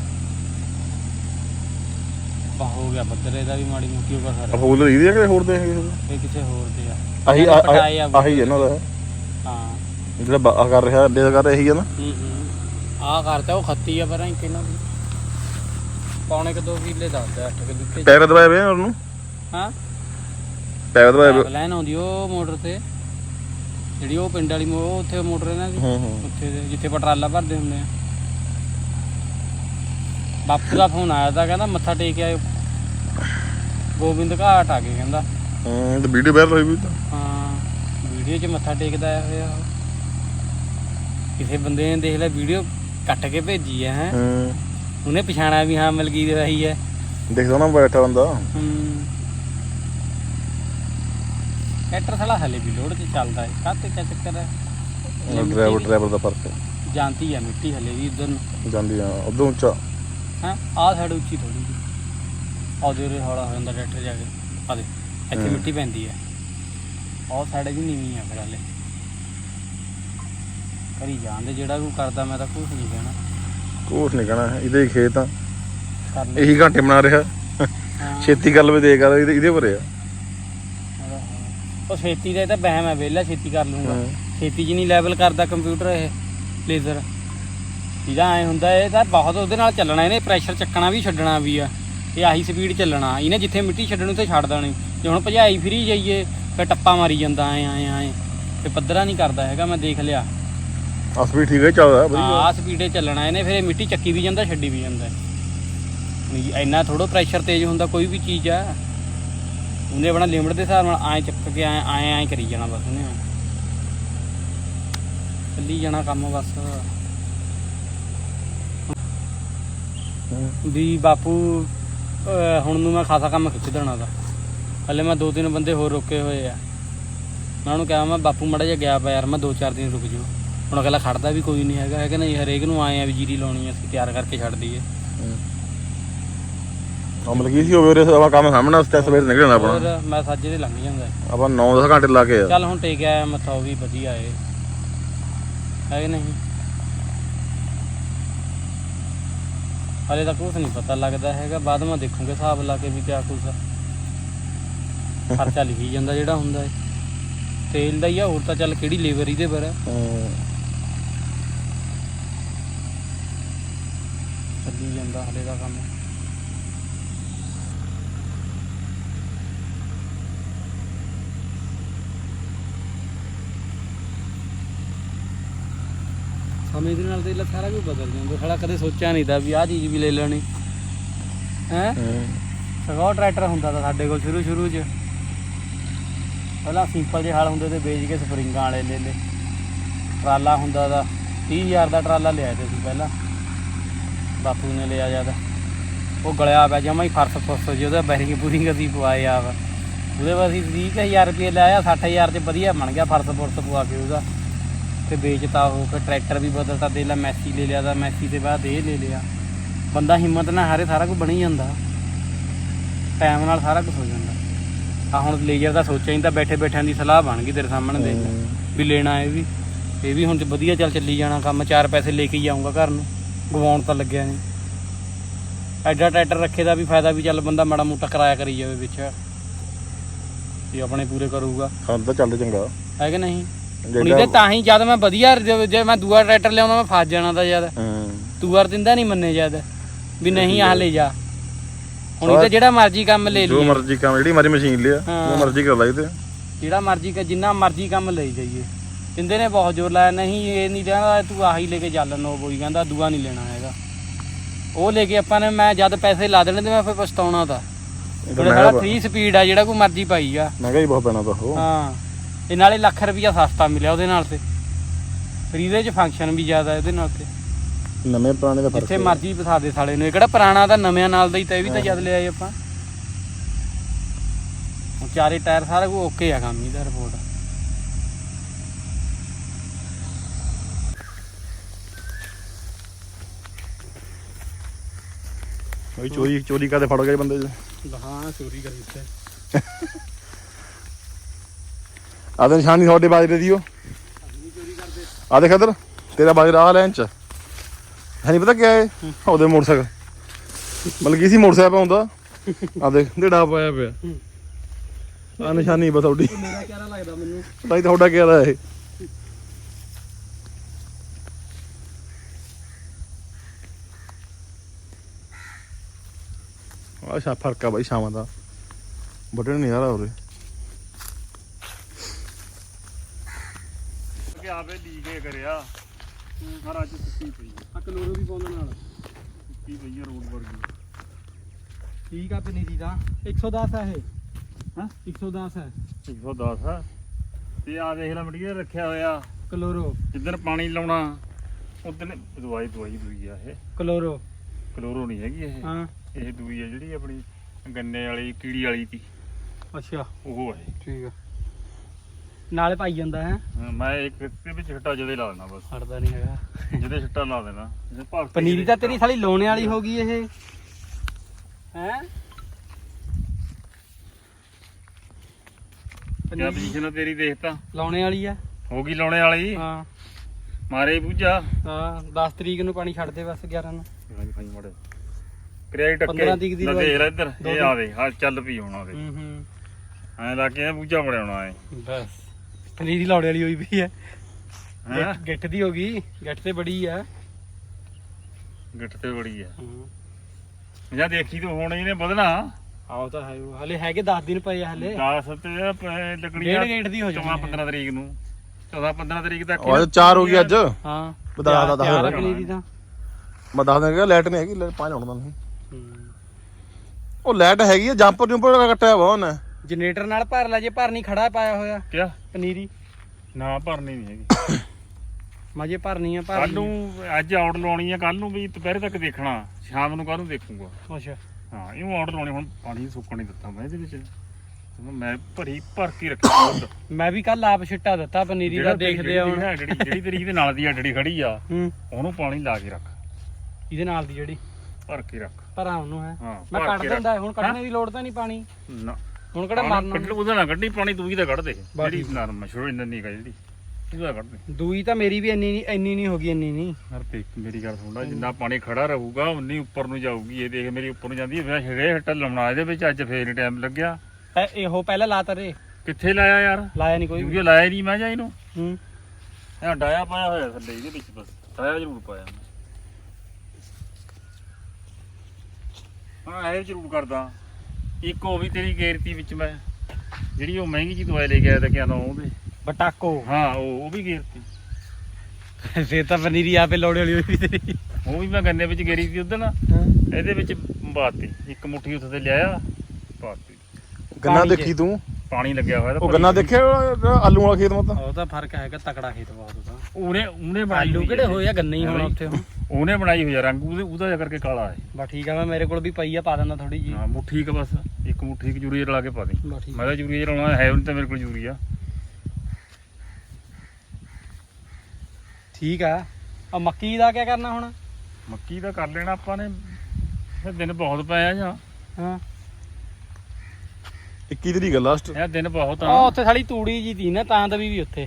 [SPEAKER 1] ਹੋ ਗਿਆ ਬੱਦਲ ਇਹਦਾ ਵੀ ਮਾੜੀ ਮੋਟੀ ਹੋਗਾ ਸਾਰਾ
[SPEAKER 3] ਫੂਲ ਰੀਦੀ ਆ ਕਿ ਹੋਰ ਦੇ
[SPEAKER 1] ਇਹ ਕਿਸੇ ਹੋਰ ਦੇ ਆ
[SPEAKER 3] ਆਹੀ ਇਹਨਾਂ ਦਾ
[SPEAKER 1] ਹਾਂ
[SPEAKER 3] ਜਿਹੜਾ ਆ ਕਰ ਰਿਹਾ ਅੱਡੇ ਦਾ ਕਰ ਇਹੀ ਆ ਨਾ
[SPEAKER 1] ਆਹ ਕਰਤਾ ਉਹ ਖੱਤੀ ਆ ਪਰ ਕਿੰਨਾ ਦੀ ਪੌਣੇ 2 ਕਿੱਲੇ ਦੱਸਦਾ 8 ਕਿੱਲੇ
[SPEAKER 3] ਪੈਰ ਦਵਾਏ ਵੇ ਉਹਨੂੰ
[SPEAKER 1] ਹਾਂ
[SPEAKER 3] ਪੈਰ ਦਵਾਏ
[SPEAKER 1] ਲੈਣ ਆਉਂਦੀ ਉਹ ਮੋਟਰ ਤੇ ਜਿਹੜੀ ਉਹ ਪਿੰਡ ਵਾਲੀ ਉਹ ਉੱਥੇ ਮੋਟਰ ਇਹਨਾਂ ਦੀ ਉੱਥੇ ਦੇ ਜਿੱਥੇ ਪਟਰਾਲਾ ਭਰਦੇ ਹੁੰਦੇ ਆ ਬਾਪੂ ਦਾ ਫੋਨ ਆਇਆ ਤਾਂ ਕਹਿੰਦਾ ਮੱਥਾ ਟੇਕ ਆਇਓ ਗੋਬਿੰਦ ਘਾਟ ਆ ਗਏ ਕਹਿੰਦਾ
[SPEAKER 3] ਤੇ ਵੀਡੀਓ ਵਾਇਰਲ ਹੋਈ ਵੀ ਤਾਂ
[SPEAKER 1] ਹਾਂ ਵੀਡੀਓ 'ਚ ਮੱਥਾ ਟੇਕਦਾ ਆਇਆ ਹੋਇਆ ਕਿਸੇ ਬੰਦੇ ਨੇ ਦੇਖ ਲਿਆ ਵੀਡੀਓ ਕੱਟ ਕੇ ਭੇਜੀ ਹੈ ਹੈਂ ਉਹਨੇ ਪਛਾਣਿਆ ਵੀ ਹਾਂ ਮਲਕੀਤ ਰਹੀ ਹੈ
[SPEAKER 3] ਦੇਖਦਾ ਨਾ ਬੈਠਾ ਬੰਦਾ
[SPEAKER 1] ਟਰੈਕਟਰ ਸਾਲਾ ਹਲੇ ਵੀ ਲੋਡ 'ਚ ਚੱਲਦਾ ਹੈ ਕਾਹਤੇ ਕਿਆ ਚੱਕਰ ਹੈ
[SPEAKER 3] ਡਰਾਈਵਰ ਦਾ ਫਰਕ
[SPEAKER 1] ਜਾਂਦੀ ਹੈ ਮਿੱਟੀ ਹਲੇ ਵੀ ਉੱਧਰ ਨੂੰ
[SPEAKER 3] ਜਾਂਦੀ ਆ ਉਦੋਂ ਉੱਚਾ
[SPEAKER 1] ਹੈਂ ਆਹ ਸਾਈਡ ਉੱਚੀ ਥੋੜੀ ਜਿਹੀ ਉਹਦੇ ਉਰੇ ਹੌਲਾ ਹੋ ਜਾਂਦਾ ਟਰੈਕਟਰ ਜਾ ਕੇ ਆ ਦੇ ਇੱਥੇ ਮਿੱਟੀ ਪੈਂਦੀ ਹੈ ਉਹ ਸਾਈਡ ਵੀ ਨੀਵੀਂ ਆ ਫਿਰ ਹਲੇ ਕਰੀ ਜਾਂਦੇ ਜਿਹੜਾ ਕੋਈ ਕਰਦਾ ਮੈਂ ਤਾਂ ਕੁਛ ਨਹੀਂ ਕਹਿਣਾ
[SPEAKER 3] ਕੁਛ ਨਹੀਂ ਕਹਿਣਾ ਇਹਦੇ ਖੇਤ ਆ
[SPEAKER 1] ਕਰ ਲੈ
[SPEAKER 3] ਇਹੀ ਘੰਟੇ ਬਣਾ ਰਿਹਾ ਛੇਤੀ ਗੱਲ ਵੀ ਦੇ ਕਰ ਇਹਦੇ ਭਰੇ ਆ
[SPEAKER 1] ਉਹ ਛੇਤੀ ਦਾ ਇਹ ਤਾਂ ਵਹਿਮ ਹੈ ਵਿਹਲਾ ਛੇਤੀ ਕਰ ਲੂੰਗਾ ਛੇਤੀ 'ਚ ਨਹੀਂ ਲੈਵਲ ਕਰਦਾ ਕੰਪਿਊਟਰ ਇਹ ਲੇਜ਼ਰ ਇਹਦਾ ਐਂ ਹੁੰਦਾ ਇਹ ਤਾਂ ਬਹੁਤ ਉਹਦੇ ਨਾਲ ਚੱਲਣਾ ਇਹਨੇ ਪ੍ਰੈਸ਼ਰ ਚੱਕਣਾ ਵੀ ਛੱਡਣਾ ਵੀ ਆ ਇਹ ਆਹੀ ਸਪੀਡ ਚੱਲਣਾ ਇਹਨੇ ਜਿੱਥੇ ਮਿੱਟੀ ਛੱਡਣੀ ਉੱਥੇ ਛੱਡ ਦੇਣੀ ਜੇ ਹੁਣ ਭਜਾਈ ਫਿਰੀ ਜਾਈਏ ਫਿਰ ਟੱਪਾ ਮਾਰੀ ਜਾਂਦਾ ਐਂ ਤੇ ਪੱਧਰਾ ਨਹੀਂ ਕਰਦਾ ਹੈਗਾ ਮੈਂ ਦੇਖ ਲਿਆ
[SPEAKER 3] ਆ ਸਪੀਡ ਠੀਕ ਹੈ ਚੱਲਦਾ ਵਧੀਆ
[SPEAKER 1] ਆਹ ਸਪੀਡੇ ਚੱਲਣਾ ਇਹਨੇ ਫਿਰ ਇਹ ਮਿੱਟੀ ਚੱਕੀ ਵੀ ਜਾਂਦਾ ਛੱਡੀ ਵੀ ਜਾਂਦਾ ਨਹੀਂ ਇੰਨਾ ਥੋੜ੍ਹਾ ਪ੍ਰੈਸ਼ਰ ਤੇਜ਼ ਹੁੰਦਾ ਕੋਈ ਵੀ ਚੀਜ਼ ਆ ਉਹਨੇ ਆਪਣਾ ਲਿਮਟ ਦੇ ਹਿਸਾਬ ਨਾਲ ਐਂ ਚੱਕ ਕੇ ਐਂ ਕਰੀ ਜਾਣਾ ਬਸ ਉਹਨੇ ਚੱਲੀ ਜਾਣਾ ਕੰਮ ਬਸ ਵੀ ਬਾਪੂ ਹੁਣ ਨੂੰ ਮੈਂ ਖਾਸਾ ਕੰਮ ਖਿੱਚ ਦੇਣਾ ਦਾ ਹਲੇ ਮੈਂ 2-3 ਬੰਦੇ ਹੋਰ ਰੁਕੇ ਹੋਏ ਆ ਮੈਂ ਉਹਨੂੰ ਕਿਹਾ ਮੈਂ ਬਾਪੂ ਮਾੜਾ ਜਿਹਾ ਗਿਆ ਪਿਆ ਯਾਰ ਮੈਂ 2-4 ਦਿਨ ਰੁਕ ਜਾਓ ਹੁਣ ਅਗਲਾ ਖੜਦਾ ਵੀ ਕੋਈ ਨਹੀਂ ਹੈਗਾ ਕਿ ਨਹੀਂ ਹਰੇਕ ਨੂੰ ਆਏ ਆ ਵੀ ਜੀਰੀ ਲਾਉਣੀ ਅਸੀਂ ਤਿਆਰ ਕਰਕੇ ਛੱਡ ਦਈਏ
[SPEAKER 3] ਮਤਲਬ ਕੀ ਸੀ ਹੋਵੇ ਉਰੇ ਆਪਾਂ ਕੰਮ ਸਾਹਮਣੇ ਉਸ ਤੇ ਸਵੇਰ ਨਿਕਲਣਾ ਆਪਣਾ
[SPEAKER 1] ਹੋਰ ਮੈਂ ਸਾਜੇ ਦੇ ਲੰਘ ਜਾਂਦਾ
[SPEAKER 3] ਆਪਾਂ 9-10 ਘੰਟੇ ਲਾ ਕੇ ਆ
[SPEAKER 1] ਚੱਲ ਹੁਣ ਟੇਕ ਆਇਆ ਮੱਥਾ ਉਹ ਵੀ ਵਧੀਆ ਏ ਹੈ ਕਿ ਨਹੀਂ ਹਲੇ ਤਾਂ ਕੁਛ ਨਹੀਂ ਪਤਾ ਲੱਗਦਾ ਹੈਗਾ ਬਾਅਦ ਮੈਂ ਦੇਖੂੰਗਾ ਹਿਸਾਬ ਲਾ ਕੇ ਵੀ ਕਿਆ ਕੁਛ ਖਰਚਾ ਲਿਖੀ ਜਾਂਦਾ ਜਿਹੜਾ ਹੁੰਦਾ ਹੈ ਤੇਲ ਦਾ ਹੀ ਆ ਹੋਰ ਤਾਂ ਚੱਲ ਕਿਹੜੀ ਲੇਬਰ ਇਹਦੇ ਪਰ ਚੱਲੀ ਜਾਂਦਾ ਹਲੇ ਦਾ ਕੰਮ ਸਮੇਂ ਦੇ ਨਾਲ ਤੇ ਸਾਰਾ ਕੁਝ ਬਦਲ ਜਾਂਦਾ ਸਾਲਾ ਕਦੇ ਸੋਚਿਆ ਨਹੀਂ ਤਾਂ ਵੀ ਆਹ ਚੀਜ਼ ਵੀ ਲੈ ਲੈਣੀ ਹੈ ਸਗੋਂ ਟਰੈਕਟਰ ਹੁੰਦਾ ਤਾਂ ਸਾਡੇ ਕੋਲ ਸ਼ੁਰੂ 'ਚ ਪਹਿਲਾਂ ਸਿੰਪਲ ਜਿਹੇ ਹਲ ਹੁੰਦੇ ਤੇ ਵੇਚ ਕੇ ਸਪਰਿੰਗਾਂ ਵਾਲੇ ਲੈ ਲਏ ਟਰਾਲਾ ਹੁੰਦਾ ਤਾਂ 30,000 ਦਾ ਟਰਾਲਾ ਲਿਆ ਤੇ ਸੀ ਪਹਿਲਾਂ ਬਾਪੂ ਨੇ ਲਿਆ ਜਦ ਉਹ ਗਲਿਆ ਪਿਆ ਜਮਾ ਹੀ ਫਰਸ ਜੀ ਉਹਦਾ ਬੈਰਿੰਗ ਪੂਰੀ ਅਸੀਂ ਪਵਾਏ ਆ ਉਹਦੇ ਬਾਅਦ ਅਸੀਂ 30,000 ਰੁਪਏ ਲਿਆਇਆ 60,000 'ਚ ਵਧੀਆ ਬਣ ਗਿਆ ਫਰਸ ਪਵਾ ਕੇ ਉਹਦਾ ਤੇ ਵੇਚਤਾ ਉਹ ਫਿਰ ਟਰੈਕਟਰ ਵੀ ਬਦਲਤਾ ਦੇ ਲਾ ਮੈਸੀ ਲੈ ਲਿਆ ਤਾਂ ਮੈਸੀ ਦੇ ਬਾਅਦ ਇਹ ਲੈ ਲਿਆ ਬੰਦਾ ਹਿੰਮਤ ਨਾਲ ਹਾਰੇ ਸਾਰਾ ਕੁਝ ਬਣੀ ਜਾਂਦਾ ਟਾਈਮ ਨਾਲ ਸਾਰਾ ਕੁਝ ਹੋ ਜਾਂਦਾ ਆ ਹੁਣ ਲੇਜ਼ਰ ਦਾ ਸੋਚਿਆ ਨਹੀਂ ਤਾਂ ਬੈਠੇ ਬੈਠਿਆਂ ਦੀ ਸਲਾਹ ਬਣ ਗਈ ਤੇਰੇ ਸਾਹਮਣੇ ਦੇਖ ਵੀ ਲੈਣਾ ਇਹ ਵੀ ਹੁਣ ਤੇ ਵਧੀਆ ਚੱਲੀ ਜਾਣਾ ਕੰਮ 4 ਪੈਸੇ ਲੈ ਕੇ ਹੀ ਆਊਂਗਾ ਘਰ ਨੂੰ ਗਵਾਉਣ ਤਾਂ ਲੱਗਿਆ ਨਹੀਂ ਐਡਾ ਟਰੈਕਟਰ ਰੱਖੇ ਦਾ ਵੀ ਫਾਇਦਾ ਵੀ ਚੱਲ ਬੰਦਾ ਮਾੜਾ ਮੋਟਾ ਕਿਰਾਇਆ ਕਰੀ ਜਾਵੇ ਵਿੱਚ ਇਹ ਆਪਣੇ ਪੂਰੇ ਕਰੂਗਾ
[SPEAKER 3] ਹਾਂ ਤਾਂ ਚੱਲ ਚੰਗਾ
[SPEAKER 1] ਹੈ ਕਿ ਨਹੀਂ ਹੁਣ ਇਹਦੇ ਤਾਂ ਹੀ ਜਦ ਮੈਂ ਵਧੀਆ ਜੇ ਮੈਂ ਦੂਆ ਟਰੈਕਟਰ ਲਿਆਉਂਦਾ ਮੈਂ ਫਸ ਜਾਣਾ ਤਾਂ ਜਦ ਦੂਆ ਦਿੰਦਾ ਨਹੀਂ ਮੰਨੇ ਜਦ ਵੀ ਨਹੀਂ ਆਹ ਲੈ ਜਾ ਹੁਣ ਇਹਦਾ ਜਿਹੜਾ ਮਰਜ਼ੀ ਕੰਮ ਲੈ ਲਈ
[SPEAKER 3] ਜੋ ਮਰਜ਼ੀ ਕੰਮ ਜਿਹੜੀ ਮਰਜ਼ੀ ਮਸ਼ੀਨ ਲਿਆ ਜੋ ਮਰਜ਼ੀ ਕਰ ਲਾਈ ਤੇ
[SPEAKER 1] ਜਿਹੜਾ ਮਰਜ਼ੀ ਜਿੰਨਾ ਮਰਜ਼ੀ ਕੰਮ ਲਈ ਜਾਈਏ ਕਹਿੰਦੇ ਨੇ ਬਹੁਤ ਜ਼ੋਰ ਲਾਇਆ ਨਹੀਂ ਇਹ ਨਹੀਂ ਕਹਿੰਦਾ ਤੂੰ ਆਹੀ ਲੈ ਕੇ ਚੱਲ ਨੋ ਬੋਈ ਕਹਿੰਦਾ ਦੂਆ ਨਹੀਂ ਲੈਣਾ ਹੈਗਾ ਉਹ ਲੈ ਕੇ ਆਪਾਂ ਨੇ ਮੈਂ ਜਦ ਪੈਸੇ ਲਾ ਦੇਣੇ ਤੇ ਮੈਂ ਫਿਰ ਪਛਤਾਉਣਾ ਤਾਂ ਜਿਹੜਾ 3 ਸਪੀਡ ਆ ਜਿਹੜਾ ਕੋਈ ਮਰਜ਼ੀ ਪਾਈ ਆ
[SPEAKER 3] ਮੈਂ ਕਿਹਾ ਬਹੁਤ ਪੈਣਾ ਤਾਂ ਉਹ
[SPEAKER 1] ਹਾਂ ਇਹ ਨਾਲੇ ਲੱਖ ਰੁਪਈਆ ਸਸਤਾ ਮਿਲਿਆ ਉਹਦੇ ਨਾਲ ਤੇ ਫਿਰ ਇਹਦੇ 'ਚ ਫੰਕਸ਼ਨ ਵੀ ਜ਼ਿਆਦਾ ਇਹਦੇ ਨਾਲ ਤੇ
[SPEAKER 3] ਨਵੇਂ ਪੁਰਾਣੇ ਦਾ ਫਰਕ
[SPEAKER 1] ਜਿੱਥੇ ਮਰਜ਼ੀ ਪਸਾ ਦੇ ਸਾਲੇ ਨੂੰ ਇਹ ਕਿਹੜਾ ਪੁਰਾਣਾ ਤਾਂ ਨਵਿਆਂ ਨਾਲ ਦਾ ਹੀ ਤਾਂ ਇਹ ਵੀ ਤਾਂ ਜਦ ਲਿਆਏ ਆਪਾਂ ਹੁਣ ਚਾਰੇ ਟਾਇਰ ਸਾਰਾ ਕੁਝ ਓਕੇ ਆ ਕੰਮ ਇਹਦਾ ਰਿਪੋਰਟ
[SPEAKER 3] ਚੋਰੀ ਕਰਦੇ ਫੜ ਗਏ ਬੰਦੇ
[SPEAKER 1] ਹਾਂ ਚੋਰੀ ਕਰੀ ਇੱਥੇ
[SPEAKER 3] ਆਦੇ ਨਿਸ਼ਾਨੀ ਤੁਹਾਡੇ ਬਾਜਰੇ ਦੀ ਉਹ
[SPEAKER 1] ਚੋਰੀ ਕਰਦੇ
[SPEAKER 3] ਆ ਦੇਖ ਇੱਧਰ ਤੇਰਾ ਬਾਜਰਾ ਆ ਲੈਣ ਚ ਹੈ ਨਹੀਂ ਪਤਾ ਕਿਆ ਹੈ ਉਹਦੇ ਮੋਟਰਸਾਈਕਲ ਮਲਕੀ ਸੀ ਮੋਟਰਸਾਈਕਲ ਪਾਉਂਦਾ ਆ ਦੇਖ ਢੇੜਾ ਪਾਇਆ ਪਿਆ ਆ ਨਿਸ਼ਾਨੀ ਬਸ ਤੁਹਾਡੀ
[SPEAKER 1] ਮੇਰਾ ਕਿਹੜਾ ਲੱਗਦਾ ਮੈਨੂੰ
[SPEAKER 3] ਭਾਈ ਤੁਹਾਡਾ ਕਿਹੜਾ ਇਹ ਅੱਛਾ ਫਰਕ ਆ ਬਾਈ ਸ਼ਾਮਾਂ ਦਾ ਬਟਨ ਨਹੀਂ ਆ ਰਿਹਾ ਉਰੇ
[SPEAKER 2] ਕਿ ਆਪੇ ਲੀਕੇ ਕਰਿਆ ਸਾਰਾ ਅੱਜ ਸੁੱਕੀ ਪਈ
[SPEAKER 1] ਆ ਕਲੋਰੋ ਵੀ ਪਾਉਂਦਾ ਨਾਲ
[SPEAKER 2] ਸੁੱਕੀ ਪਈ ਆ ਰੋਡ ਵਰਗੀ
[SPEAKER 1] ਠੀਕ ਆ ਪਨੀਰੀ ਦਾ 110 ਆ ਇਹ ਹਾਂ 110 ਹੈ
[SPEAKER 2] 110 ਆ ਤੇ ਆ ਦੇਖ ਲੈ ਮਟੀਰੀਅਲ ਰੱਖਿਆ ਹੋਇਆ
[SPEAKER 1] ਕਲੋਰੋ
[SPEAKER 2] ਜਿੱਦਣ ਪਾਣੀ ਲਾਉਣਾ ਉਦਣ ਦਵਾਈ ਦੂਈ ਆ ਇਹ
[SPEAKER 1] ਕਲੋਰੋ
[SPEAKER 2] ਕਲੋਰੋ ਨਹੀਂ ਹੈਗੀ ਇਹ
[SPEAKER 1] ਹਾਂ
[SPEAKER 2] ਇਹ ਦੂਈ ਆ ਜਿਹੜੀ ਆਪਣੀ ਗੰਨੇ ਵਾਲੀ ਕੀੜੀ ਵਾਲੀ ਤੀ
[SPEAKER 1] ਅੱਛਾ
[SPEAKER 2] ਉਹ ਹੈ
[SPEAKER 1] ਠੀਕ ਆ ਨਾਲੇ ਪਾਈ ਜਾਂਦਾ ਹੈ
[SPEAKER 2] ਮੈਂ ਇੱਕ ਦੇ ਵਿੱਚ ਛੱਟਾ ਜਦੇ ਲਾ ਦੇਣਾ ਬਸ
[SPEAKER 1] ਹਟਦਾ ਨਹੀਂ ਹੈਗਾ
[SPEAKER 2] ਜਦੇ ਛੱਟਾ ਲਾ ਦੇਣਾ
[SPEAKER 1] ਪਨੀਰੀ ਤਾਂ ਤੇਰੀ ਸਾਲੀ ਲਾਉਣੇ ਵਾਲੀ ਹੋ ਗਈ ਇਹ ਹੈ
[SPEAKER 2] ਕਿਆ ਪੋਜੀਸ਼ਨ ਆ ਤੇਰੀ ਦੇਖ ਤਾਂ
[SPEAKER 1] ਲਾਉਣੇ ਵਾਲੀ ਆ
[SPEAKER 2] ਹੋ ਗਈ ਲਾਉਣੇ ਵਾਲੀ
[SPEAKER 1] ਹਾਂ
[SPEAKER 2] ਮਾਰੇ ਬੂਝਾ
[SPEAKER 1] ਹਾਂ 10 ਤਰੀਕ ਨੂੰ ਪਾਣੀ ਛੱਡ ਦੇ ਬਸ 11 ਨੂੰ
[SPEAKER 2] ਖਾਈ ਮੜੇ ਕ੍ਰੈਡਿਟ ਟੱਕੇ
[SPEAKER 1] 15 ਤਰੀਕ ਦੀ
[SPEAKER 2] ਲੈ ਦੇਖ ਲੈ ਇੱਧਰ ਇਹ ਆ ਦੇ ਆ ਚੱਲ ਪਈ ਹੁਣ ਉਹਦੇ
[SPEAKER 1] ਹੂੰ
[SPEAKER 2] ਐਂ ਲਾ ਕੇ ਬੂਝਾ ਬਣਾਉਣਾ ਐ
[SPEAKER 1] ਬਸ ਪਨੀਰੀ ਲਾਉਣੇ ਵਾਲੀ ਹੋਈ ਪਈ ਹੈ
[SPEAKER 2] ਹੈਂ?
[SPEAKER 1] ਗਿੱਟ ਦੀ ਹੋ ਗਈ ਗਿੱਟ ਤੇ ਬੜੀ ਆ
[SPEAKER 2] ਗਿੱਟ ਤੇ ਬੜੀ ਆ ਜਾਂ ਦੇਖੀ ਤੂੰ ਹੁਣ ਇਹਨੇ ਵਧਣਾ
[SPEAKER 1] ਆਓ ਤਾਂ ਹੈ ਹਲੇ ਹੈਗੇ 10 ਦਿਨ ਪਏ ਆ ਹਲੇ
[SPEAKER 2] 10 ਤੇ ਲੱਗਣੀ
[SPEAKER 1] ਡੇਢ ਗੇਟ ਦੀ ਹੋ
[SPEAKER 2] 14 15 ਤਰੀਕ ਨੂੰ 14 15 ਤਰੀਕ ਤੱਕ
[SPEAKER 3] ਉਹ 4 ਹੋ ਗਈ ਅੱਜ
[SPEAKER 1] ਹਾਂ
[SPEAKER 3] ਬਤਾ
[SPEAKER 1] ਤਿਆਰ ਪਨੀਰੀ ਤਾਂ
[SPEAKER 3] ਮੈਂ ਦੱਸ ਦਿਆਂ ਕਿ ਲਾਈਟ ਨਹੀਂ ਹੈਗੀ ਪਾਣੀ ਆਉਣਾ ਨਹੀਂ ਉਹ ਲਾਈਟ ਹੈਗੀ ਆ ਜੰਪਰ ਜੰਪਰ ਕੱਟਿਆ ਵਾ ਉਹਨੇ
[SPEAKER 1] ਜਨਰੇਟਰ ਨਾਲ ਭਰ ਲੈ ਜੇ ਭਰਨੀ ਖੜਾ ਪਾਇਆ ਹੋਇਆ
[SPEAKER 2] ਕਿਆ
[SPEAKER 1] ਪਨੀਰੀ
[SPEAKER 2] ਨਾ ਭਰਨੀ ਨਹੀਂ ਹੈਗੀ
[SPEAKER 1] ਮਾਜੇ ਭਰਨੀ ਆ
[SPEAKER 2] ਕੱਲ ਨੂੰ ਅੱਜ ਆਰਡਰ ਲਾਉਣੀ ਆ ਕੱਲ ਨੂੰ ਵੀ ਦੁਪਹਿਰੇ ਤੱਕ ਦੇਖਣਾ ਸ਼ਾਮ ਨੂੰ ਕੱਲ ਨੂੰ ਦੇਖੂਗਾ
[SPEAKER 1] ਅੱਛਾ
[SPEAKER 2] ਹਾਂ ਇਹਨੂੰ ਆਰਡਰ ਲਾਉਣੀ ਹੁਣ ਪਾਣੀ ਸੁੱਕਣ ਨਹੀਂ ਦਿੱਤਾ ਮੈਂ ਇਹਦੇ ਵਿੱਚ ਮੈਂ ਭਰ ਕੇ ਰੱਖਿਆ
[SPEAKER 1] ਮੈਂ ਵੀ ਕੱਲ ਆਪ ਛਿੱਟਾ ਦਿੱਤਾ ਪਨੀਰੀ ਦਾ ਦੇਖਦੇ ਆ ਹੁਣ
[SPEAKER 2] ਜਿਹੜੀ ਤੇਰੀ ਇਹਦੇ ਨਾਲ ਦੀ ਅੱਡੜੀ ਖੜੀ ਆ
[SPEAKER 1] ਹੂੰ
[SPEAKER 2] ਉਹਨੂੰ ਪਾਣੀ ਲਾ ਕੇ ਰੱਖ
[SPEAKER 1] ਇਹਦੇ ਨਾਲ ਦੀ ਜਿਹੜੀ
[SPEAKER 2] ਭਰ ਕੇ ਰੱਖ
[SPEAKER 1] ਭਰਾ ਉਹਨੂੰ ਹੈ
[SPEAKER 2] ਹਾਂ
[SPEAKER 1] ਮੈਂ ਕੱਢ ਦਿੰਦਾ ਹੁਣ ਕੱਢਣੇ ਦੀ ਲੋੜ ਤਾਂ ਨਹੀਂ ਪਾਣੀ
[SPEAKER 2] ਨਾ
[SPEAKER 1] ਹੁਣ ਕਿਹੜਾ ਮਾਰਨਾ
[SPEAKER 2] ਉਹਦਾ ਨਾ ਕੱਢੀ ਪਾਣੀ ਦੂਈ ਦਾ ਕੱਢ ਦੇ ਜਿਹੜੀ ਨਰਮ ਸ਼ੁਰੂ ਇੰਨਾ ਨਹੀਂ ਹੈਗਾ ਜਿਹੜੀ ਉਹਦਾ ਕੱਢ ਦੇ
[SPEAKER 1] ਦੂਈ ਤਾਂ ਮੇਰੀ ਵੀ ਇੰਨੀ ਨਹੀਂ ਹੋ ਗਈ ਇੰਨੀ ਨਹੀਂ
[SPEAKER 2] ਯਾਰ ਦੇਖ ਮੇਰੀ ਗੱਲ ਸੁਣ ਲੈ ਜਿੰਨਾ ਪਾਣੀ ਖੜਾ ਰਹੂਗਾ ਉਨੀ ਉੱਪਰ ਨੂੰ ਜਾਊਗੀ ਇਹ ਦੇਖ ਮੇਰੀ ਉੱਪਰ ਨੂੰ ਜਾਂਦੀ ਹੈ ਹੈਗੇ ਹੱਟਾ ਲਾਉਣਾ ਇਹਦੇ ਵਿੱਚ ਅੱਜ ਫੇਰ ਨਹੀਂ ਟਾਈਮ ਲੱਗਿਆ
[SPEAKER 1] ਇਹੋ ਪਹਿਲਾਂ ਲਾਤਾ ਰੇ
[SPEAKER 2] ਕਿੱਥੇ ਲਾਇਆ ਯਾਰ
[SPEAKER 1] ਲਾਇਆ ਨਹੀਂ ਕੋਈ
[SPEAKER 2] ਵੀਡੀਓ ਲਾਇਆ ਨਹੀਂ ਮੈਂ ਜਾਂ ਇਹਨੂੰ
[SPEAKER 1] ਹੂੰ
[SPEAKER 2] ਇਹ ਡਾਇਆ ਪਾਇਆ ਹੋਇਆ ਥੱਲੇ ਇਹਦੇ ਵਿੱਚ ਬਸ ਡਾਇਆ ਜ਼ਰੂਰ ਪਾਇਆ ਮੈਂ ਹਾਂ ਇਹ ਜ਼ਰੂਰ ਕਰਦਾ ਇੱਕ ਉਹ ਵੀ ਤੇਰੀ ਗੇਰਤੀ ਵਿੱਚ ਮੈਂ ਜਿਹੜੀ ਉਹ ਮਹਿੰਗੀ ਜੀ ਦਵਾਈ ਲੈ ਕੇ ਆਇਆ ਤਾਂ ਕਿਆ ਨਾ ਉਹਦੇ
[SPEAKER 1] ਬਟਾਕੋ
[SPEAKER 2] ਹਾਂ ਉਹ ਵੀ ਗੇਰਤੀ
[SPEAKER 1] ਫੇਰ ਤਾਂ ਪਨੀਰੀ ਆਪੇ ਲੋੜੇ ਵਾਲੀ ਹੋਈ ਤੇਰੀ
[SPEAKER 2] ਉਹ ਵੀ ਮੈਂ ਗੰਨੇ ਵਿੱਚ ਗੇਰੀ ਸੀ ਉਦੋਂ ਨਾ ਇਹਦੇ ਵਿੱਚ ਪਾਤੀ ਇੱਕ ਮੁੱਠੀ ਉੱਥੇ ਤੇ ਲਿਆਇਆ ਪਾਤੀ
[SPEAKER 3] ਗੰਨਾ ਦੇਖੀ ਤੂੰ
[SPEAKER 2] ਪਾਣੀ ਲੱਗਿਆ ਹੋਇਆ
[SPEAKER 3] ਉਹ ਗੰਨਾ ਦੇਖਿਆ ਆਲੂ ਵਾਲਾ ਖੇਤ ਮਤ
[SPEAKER 1] ਉਹ ਤਾਂ ਫਰਕ ਹੈਗਾ ਤਕੜਾ ਖੇਤ ਬਹੁਤ ਉਹਦਾ
[SPEAKER 2] ਉਹਨੇ ਬਣਾਈ
[SPEAKER 1] ਆਲੂ ਕਿਹੜੇ ਹੋਏ ਆ ਗੰਨੇ ਹੀ ਹੁਣ ਉੱਥੇ ਹੁਣ
[SPEAKER 2] ਉਹਨੇ ਬਣਾਈ ਹੋਈ ਆ ਰੰਗ ਉਹਦਾ ਕਰਕੇ ਕਾਲਾ ਹੈ
[SPEAKER 1] ਬਸ ਠੀਕ ਆ ਮੈਂ ਮੇਰੇ ਕੋਲ ਵੀ ਪਈ ਆ ਪਾ ਦਿੰਦਾ ਥੋੜੀ ਜੀ
[SPEAKER 2] ਹਾਂ ਮੁੱਠੀ ਕ ਬਸ ਇੱਕ ਮੁੱਠੀ ਕ ਯੂਰੀਆ ਰਲਾ ਕੇ ਪਾ ਦੇ
[SPEAKER 1] ਬਸ ਠੀਕ
[SPEAKER 2] ਮੈਂ ਤਾਂ ਯੂਰੀਆ ਰਲਾਉਣਾ ਹੈ ਹੁਣ ਤਾਂ ਮੇਰੇ ਕੋਲ ਯੂਰੀਆ
[SPEAKER 1] ਠੀਕ ਆ ਆ ਮੱਕੀ ਦਾ ਕੀ ਕਰਨਾ ਹੁਣ
[SPEAKER 2] ਮੱਕੀ ਦਾ ਕਰ ਲੈਣਾ ਆਪਾਂ ਨੇ ਫਿਰ ਦਿਨ ਬਹੁਤ ਪਏ ਆ ਜਾਂ
[SPEAKER 1] ਹਾਂ
[SPEAKER 3] 21 ਤਰੀਕ ਲਾਸਟ।
[SPEAKER 2] ਇਹ ਦਿਨ ਬਹੁਤ
[SPEAKER 1] ਉਹ
[SPEAKER 2] ਆ
[SPEAKER 1] ਉੱਥੇ ਸਾਲੀ ਤੂੜੀ ਜੀ ਦੀ ਨਾ ਤਾਂ ਦਵੀ ਵੀ ਉੱਥੇ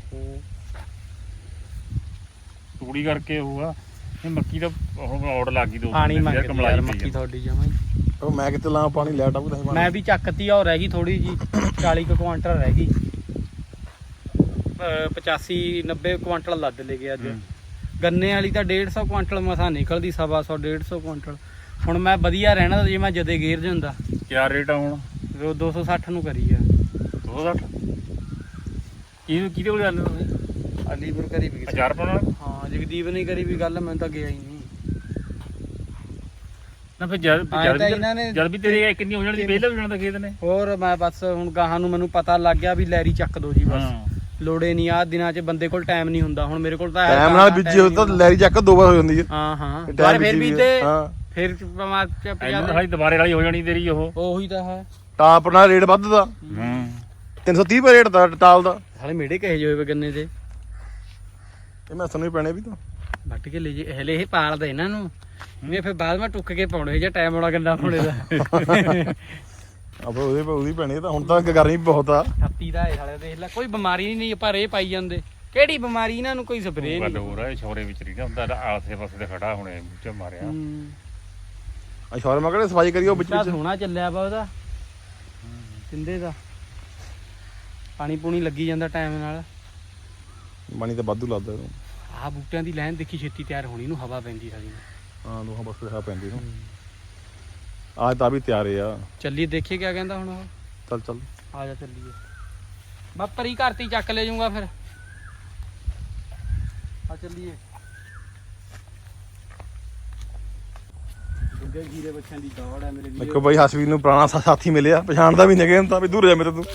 [SPEAKER 2] ਤੂੜੀ ਕਰਕੇ ਹੋਊਗਾ ਇਹ ਮੱਕੀ ਦਾ ਹੁਣ ਔੜ ਲੱਗ ਗਈ ਦੋ
[SPEAKER 1] ਪਾਣੀ
[SPEAKER 2] ਯਾਰ
[SPEAKER 1] ਮੰਗਦੀ
[SPEAKER 2] ਕਮਲਾਈ
[SPEAKER 1] ਯਾਰ
[SPEAKER 2] ਪਈ
[SPEAKER 1] ਮੱਕੀ
[SPEAKER 2] ਆ।
[SPEAKER 1] ਤੁਹਾਡੀ ਜਮਾਂ ਹੀ।
[SPEAKER 3] ਉਹ ਮੈਂ ਕਿਤੇ ਲਾ ਪਾਣੀ ਲੈਟ ਆਉ ਤਾਂ
[SPEAKER 1] ਮੈਂ ਵੀ ਚੱਕਤੀ ਆ, ਉਹ ਰਹਿ ਗਈ ਥੋੜੀ ਜੀ 40 ਕੁ ਕੁਆਂਟਲ ਰਹਿ ਗਈ। 85 90 ਕੁਆਂਟਲ ਲੱਦ ਲੈ ਗਿਆ ਅੱਜ। ਗੰਨੇ ਵਾਲੀ ਤਾਂ 150 ਕੁਆਂਟਲ ਮਸਾਂ ਨਿਕਲਦੀ, 125 150 ਕੁਆਂਟਲ। ਹੁਣ ਮੈਂ ਵਧੀਆ ਰਹਿਣਾ ਤਾਂ ਜੇ ਮੈਂ ਜਦੇ ਗੇਰ ਜਾਂਦਾ
[SPEAKER 2] ਕਿਆ ਰੇਟ ਆ ਹੁਣ?
[SPEAKER 1] ਉਹ 260 ਨੂੰ ਕਰੀ ਆ।
[SPEAKER 2] 260 ਕਿਹਦੇ ਕੋਲ ਜਾਂਦੇ ਤੁਸੀਂ?
[SPEAKER 1] ਅਲੀਪੁਰ ਕਰੀ ਵੀ
[SPEAKER 2] ਅਚਾਰ ਪਾਉਣਾ?
[SPEAKER 1] ਹਾਂ ਜਗਦੀਪ ਨੇ ਕਰੀ ਵੀ ਗੱਲ, ਮੈਂ ਤਾਂ ਗਿਆ ਹੀ ਨਹੀਂ।
[SPEAKER 2] ਨਾ ਫਿਰ ਜਦ
[SPEAKER 1] ਆਏਂ ਤਾਂ ਇਹਨਾਂ ਨੇ
[SPEAKER 2] ਜਦ ਵੀ ਤੇਰੇ ਕਿੰਨੀ ਹੋ ਜਾਣੀ ਪਹਿਲਾਂ ਵੀ ਜਾਣਾ ਤਾਂ ਖੇਤ ਨੇ।
[SPEAKER 1] ਹੋਰ ਮੈਂ ਬਸ ਹੁਣ ਗਾਹਾਂ ਨੂੰ ਮੈਨੂੰ ਪਤਾ ਲੱਗ ਗਿਆ ਵੀ ਲੈਰੀ ਚੱਕ ਦੋ ਜੀ ਬਸ।
[SPEAKER 2] ਹਾਂ
[SPEAKER 1] ਲੋੜੇ ਨਹੀਂ ਆ ਦਿਨਾਂ 'ਚ ਬੰਦੇ ਕੋਲ ਟਾਈਮ ਨਹੀਂ ਹੁੰਦਾ। ਹੁਣ ਮੇਰੇ ਕੋਲ ਤਾਂ
[SPEAKER 3] ਟਾਈਮ ਨਾਲ ਬੀਜੀ ਹੋ ਤਾਂ ਲੈਰੀ ਚੱਕ 2 ਵਾਰ ਹੋ ਜਾਂਦੀ ਹੈ।
[SPEAKER 1] ਹਾਂ ਹਾਂ
[SPEAKER 3] time
[SPEAKER 1] ਪਰ ਫਿਰ
[SPEAKER 3] ਬੀਜੀ
[SPEAKER 1] ਵੀ
[SPEAKER 3] ਵੀ
[SPEAKER 1] ਤੇ
[SPEAKER 3] ਹਾਂ।
[SPEAKER 1] ਫਿਰ ਬਿਮਾਰ ਚ ਪਿਆ
[SPEAKER 2] ਇਹਨਾਂ ਸਾਡੀ ਦੁਬਾਰੇ ਵਾਲੀ ਹੋ ਜਾਣੀ ਤੇਰੀ ਉਹ।
[SPEAKER 1] ਉਹੀ ਤਾਂ ਹੈ।
[SPEAKER 3] ਟਾਪ ਨਾਲ ਰੇਟ ਵੱਧਦਾ,
[SPEAKER 2] ਹਾਂ
[SPEAKER 3] 330 ਰੁਪਏ ਰੇਟ ਦਾ ਟਾਲ ਦਾ।
[SPEAKER 1] ਸਾਲੇ ਮੇੜੇ ਕਹੇ ਜੋ ਹੋਏ ਗੰਨੇ ਦੇ
[SPEAKER 3] ਇਹ ਮੈਂ ਸਾਨੂੰ ਹੀ ਪੈਣੇ ਵੀ ਤਾਂ
[SPEAKER 1] ਵੱਟ ਕੇ ਲੈ ਜੇ ਹਲੇ ਇਹ ਪਾਲਦਾ ਇਹਨਾਂ ਨੂੰ ਇਹ ਫਿਰ ਬਾਅਦ ਮੈਂ ਟੁੱਕ ਕੇ ਪਾਉਣੇ ਜੇ ਟਾਈਮ ਆਉਣਾ ਗੰਨਾ ਪਾਉਣੇ ਦਾ।
[SPEAKER 3] ਆਪੇ ਉਹਦੀ ਪੈਣੀ ਤਾਂ। ਹੁਣ ਤਾਂ ਗਰਮੀ ਬਹੁਤ ਆ।
[SPEAKER 1] ਛੱਤੀ ਦਾ ਇਹ ਸਾਲੇ ਦੇਖ ਲੈ ਕੋਈ ਬਿਮਾਰੀ ਨਹੀਂ ਪਰ ਇਹ ਪਾਈ ਜਾਂਦੇ। ਕਿਹੜੀ ਬਿਮਾਰੀ ਇਹਨਾਂ ਨੂੰ ਕੋਈ ਸਪਰੇਅ
[SPEAKER 2] ਗੱਲ
[SPEAKER 1] ਨਹੀਂ।
[SPEAKER 2] ਹੋ ਰਿਹਾ ਛੋਰੇ ਵਿੱਚ ਨਹੀਂ ਹੁੰਦਾ ਆਸੇ ਪਾਸੇ ਤੇ ਖੜਾ ਹੁਣੇ ਬੂਟੇ ਮਾਰਿਆ।
[SPEAKER 3] ਆ ਸ਼ੌਰ ਮੈਂ ਕਿਹੜੇ ਸਫਾਈ ਕਰੀਓ ਵਿੱਚ ਵਿੱਚ।
[SPEAKER 1] ਸੋਹਣਾ ਚੱਲਿਆ ਵਾ ਉਹਦਾ ਸਿੰਦੇ ਦਾ। ਪਾਣੀ ਪੂਣੀ ਲੱਗੀ ਜਾਂਦਾ ਟਾਈਮ ਨਾਲ।
[SPEAKER 3] ਪਾਣੀ ਤਾਂ ਵਾਧੂ ਲੱਗਦਾ ਇਹਨੂੰ।
[SPEAKER 1] ਆਹ ਬੂਟਿਆਂ ਦੀ ਲਾਈਨ ਦੇਖੀ ਛੇਤੀ ਤਿਆਰ ਹੋਣੀ ਨੂੰ ਹਵਾ ਪੈਂਦੀ ਸਾਡੀ ਨੂੰ।
[SPEAKER 3] ਹਾਂ ਲੋਹਾ ਬਸ ਰਿਹਾ ਪੈਂਦੀ ਨੂੰ। ਆਜ ਤਾਂ ਵੀ ਤਿਆਰੇ ਆ।
[SPEAKER 1] ਚੱਲੀਏ ਦੇਖੀਏ ਕਿਆ ਕਹਿੰਦਾ ਹੁਣ ਉਹ।
[SPEAKER 3] ਚੱਲ ਚੱਲ
[SPEAKER 1] ਆ ਜਾ ਚੱਲੀਏ। ਮੈਂ ਪਰੀ ਘਰ ਤੇ ਹੀ ਚੱਕ ਲੈ ਜਾਊਂਗਾ ਫਿਰ। ਆ ਚੱਲੀਏ। ਗੁੱਗੇ ਜੀਰੇ ਬੱਚਿਆਂ ਦੀ ਦੌੜ ਹੈ ਮੇਰੇ ਵੀਰ।
[SPEAKER 3] ਦੇਖੋ ਬਾਈ ਹਸਵੀਰ ਨੂੰ ਪੁਰਾਣਾ ਸਾਥੀ ਮਿਲਿਆ, ਪਛਾਣਦਾ ਵੀ ਨਹੀਂ ਤਾਂ ਵੀ ਦੂਰ ਜਾ ਮੇਰੇ ਤੋਂ।